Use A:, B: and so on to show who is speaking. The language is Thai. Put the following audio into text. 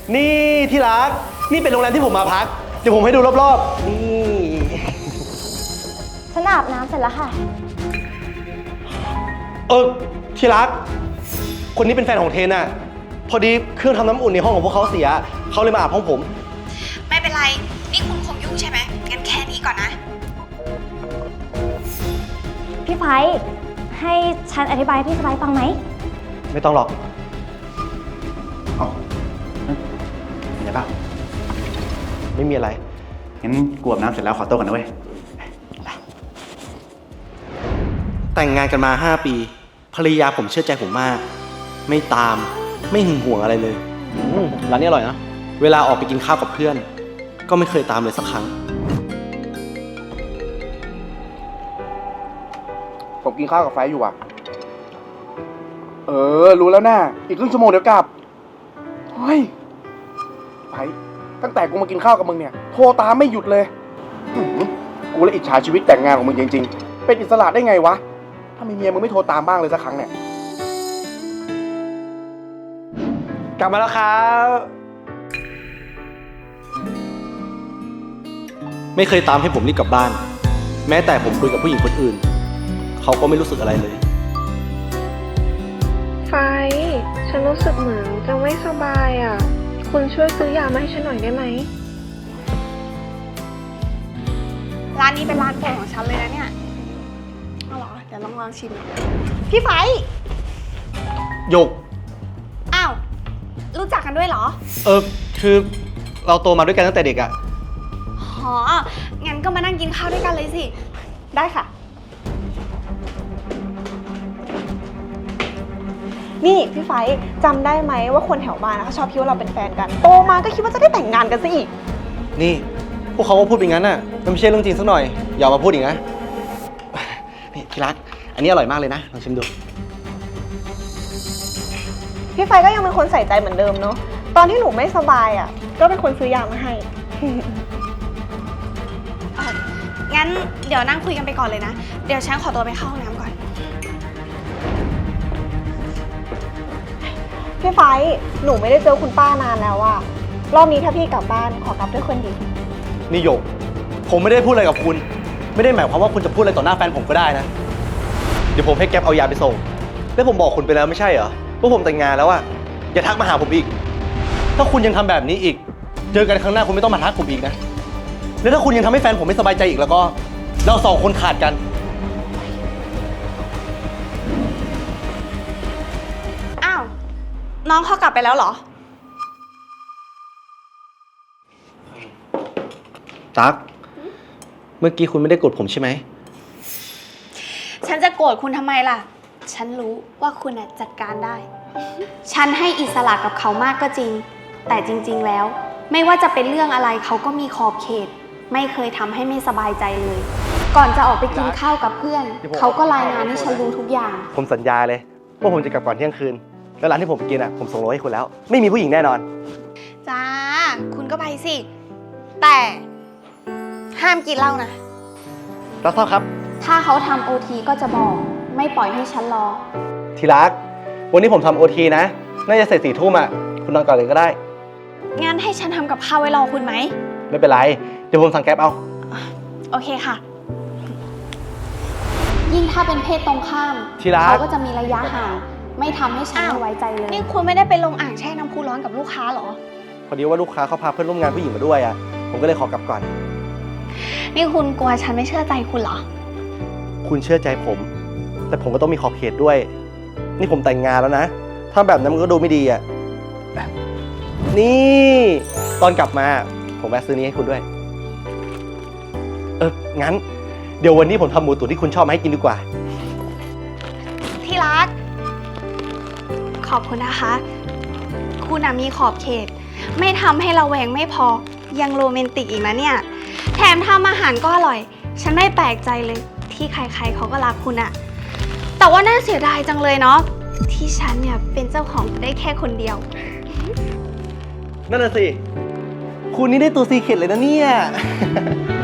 A: นี่ที่รัก นี่เป็นโรงแรมที่ผมมาพัก เดี๋ยวผมให้ดูรอบๆ นี่
B: ฉันอาบน้ำเสร็จแล้วค่ะ
A: ที่รัก คนนี้เป็นแฟนของเทนอะพอดีเครื่องทำน้ำอุ่นในห้องของพวกเขาเสีย เขาเลยมาอาบห้องผม
C: ไม่เป็นไร นี่คุณคงยุ่งใช่ไหมงั้นแค่นี้ก่อนนะ
B: พี่ไฟให้ฉันอธิบายให้พี่สบายฟังไหม
A: ไม่ต้องหรอกมีอะไรบ้างไม่มีอะไร
D: งั้นกวบน้ำเสร็จแล้วขอตัวกันนะเว้ย
A: แต่งงานกันมา 5 ปี ภรรยาผมเชื่อใจผมมาก ไม่ตาม ไม่หึงหวงอะไรเลยร้านนี้อร่อยนะ เวลาออกไปกินข้าวกับเพื่อน ก็ไม่เคยตามเลยสักครั้ง
D: ผมกินข้าวกับไฟอยู่อ่ะ รู้แล้วน่าอีกครึ่งชั่วโมงเดี๋ยวกลับ เฮ้ย ไฟตั้งแต่กูมากินข้าวกับมึงเนี่ย โทรตามไม่หยุดเลยกูเลยอิจฉาชีวิตแต่งงานของมึงจริงๆ เป็นอิสระได้ไงวะ ถ้ามีเมียมึงไม่โทรตามบ้างเลยสักครั้งเนี่ย
A: กลับมาแล้วครับ ไม่เคยตามให้ผมรีบกลับบ้าน แม้แต่ผมคุยกับผู้หญิงคนอื่น เขาก็ไม่รู้สึกอะไรเลย
E: ไฟ ฉันรู้สึกเหมือนจะไม่สบายอ่ะ คุณช่วยซื้อยามาให้ฉันหน่อยได้ไหม
C: ร้านนี้เป็นร้านโปรดของฉันเลยนะเนี่ยเอาเหรอ เดี๋ยวลองชิม พี่ไฟ
A: หยก
C: อ้าว รู้จักกันด้วยเหรอ
A: คือเราโตมาด้วยกันตั้งแต่เด็กอะ
C: อ๋อ งั้นก็มานั่งกินข้าวด้วยกันเลยสิ
E: ได้ค่ะ นี่พี่ไฟจำได้ไหมว่าคนแถวบ้านเขาชอบคิดว่าเราเป็นแฟนกัน โตมาก็คิดว่าจะได้แต่งงานกันซะอีก
A: นี่ พวกเขาก็พูดเป็นงั้นน่ะ มันไม่ใช่เรื่องจริงสักหน่อย อย่ามาพูดอีกนะ นี่ที่รัก อันนี้อร่อยมากเลยนะ ลองชิมดู
E: พี่ไฟก็ยังเป็นคนใส่ใจเหมือนเดิมเนาะ ตอนที่หนูไม่สบายอ่ะ ก็เป็นคนซื้อยามาให้
C: งั้นเดี๋ยวนั่งคุยกันไปก่อนเลยนะ เดี๋ยวฉันขอตัวไปเข้าห้องน้ำก่อน
E: พี่ไฟหนูไม่ได้เจอคุณป้านานแล้วอะรอบนี้ถ้าพี่กลับบ้านขอกลับด้วยคนดี
A: นี่หยก ผมไม่ได้พูดอะไรกับคุณ ไม่ได้หมายความว่าคุณจะพูดอะไรต่อหน้าแฟนผมก็ได้นะ เดี๋ยวผมให้แก๊ปเอายาไปส่ง แล้วผมบอกคุณไปแล้วไม่ใช่เหรอว่าผมแต่งงานแล้วอะอย่าทักมาหาผมอีก ถ้าคุณยังทำแบบนี้อีก เจอกันครั้งหน้าคุณไม่ต้องมาทักผมอีกนะ แล้วถ้าคุณยังทำให้แฟนผมไม่สบายใจอีกแล้วก็ เราสองคนขาดกัน
C: อ้าว น้องเขากลับไปแล้วเหรอ
A: ตั๊ก เมื่อกี้คุณไม่ได้โกรธผมใช่ไหม
C: ฉันจะโกรธคุณทำไมล่ะ ฉันรู้ว่าคุณจัดการได้ ฉันให้อิสระกับเขามากก็จริง แต่จริงๆแล้ว ไม่ว่าจะเป็นเรื่องอะไรเขาก็มีขอบเขต ไม่เคยทำให้ไม่สบายใจเลย ก่อนจะออกไปกินข้าวกับเพื่อน เขาก็รายงานให้ฉันรู้ทุกอย่าง
A: ผมสัญญาเลยว่าผมจะกลับก่อนเที่ยงคืน แล้วร้านที่ผมไปกินผมส่งโลให้คุณแล้ว ไม่มีผู้หญิงแน่นอน
C: จ้า คุณก็ไปสิ แต่ห้ามกินเหล้านะ
A: รับทราบครับ
C: ถ้าเขาทำโอทีก็จะบอก ไม่ปล่อยให้ฉันรอ
A: ทีรัก วันนี้ผมทำโอทีนะ น่าจะเสร็จ4 ทุ่มคุณนอนก่อนเลยก็ได้
C: งั้นให้ฉันทำกับข้าวไว้รอคุณไหม
A: ไม่เป็นไร เดี๋ยวผมสั่งแก๊ปเอา
C: โอเคค่ะ ยิ่งถ้าเป็นเพศตรงข้าม
A: ที่รัก
C: เขาก็จะมีระยะห่าง ไม่ทำให้ฉันไม่ไว้ใจเลย นี่คุณไม่ได้ไปลงอ่างแช่น้ำพุร้อนกับลูกค้าเหรอ
A: พอดีว่าลูกค้าเขาพาเพื่อนร่วมงานผู้หญิงมาด้วยผมก็เลยขอกลับก่อน
C: นี่คุณกลัวฉันไม่เชื่อใจคุณเหรอ
A: คุณเชื่อใจผม แต่ผมก็ต้องมีขอบเขตด้วย นี่ผมแต่งงานแล้วนะ ถ้าแบบนั้นมันก็ดูไม่ดีนี่ ตอนกลับมา ผมแวะซื้อนี้ให้คุณด้วย งั้น เดี๋ยววันนี้ผมทำหมูตุ๋นที่คุณชอบมาให้กินดีกว่า
C: ที่รัก ขอบคุณนะคะ คุณมีขอบเขต ไม่ทำให้เราแหวงไม่พอ ยังโรแมนติกอีกนะเนี่ย แถมทำอาหารก็อร่อย ฉันไม่แปลกใจเลยที่ใครๆเขาก็รักคุณอะแต่ว่าน่าเสียดายจังเลยเนาะที่ฉันเนี่ยเป็นเจ้าของได้แค่คนเดียว
A: นั่นน่ะสิ คุณนี่ได้ตัวซีเคร็ตเลยนะเนี่ย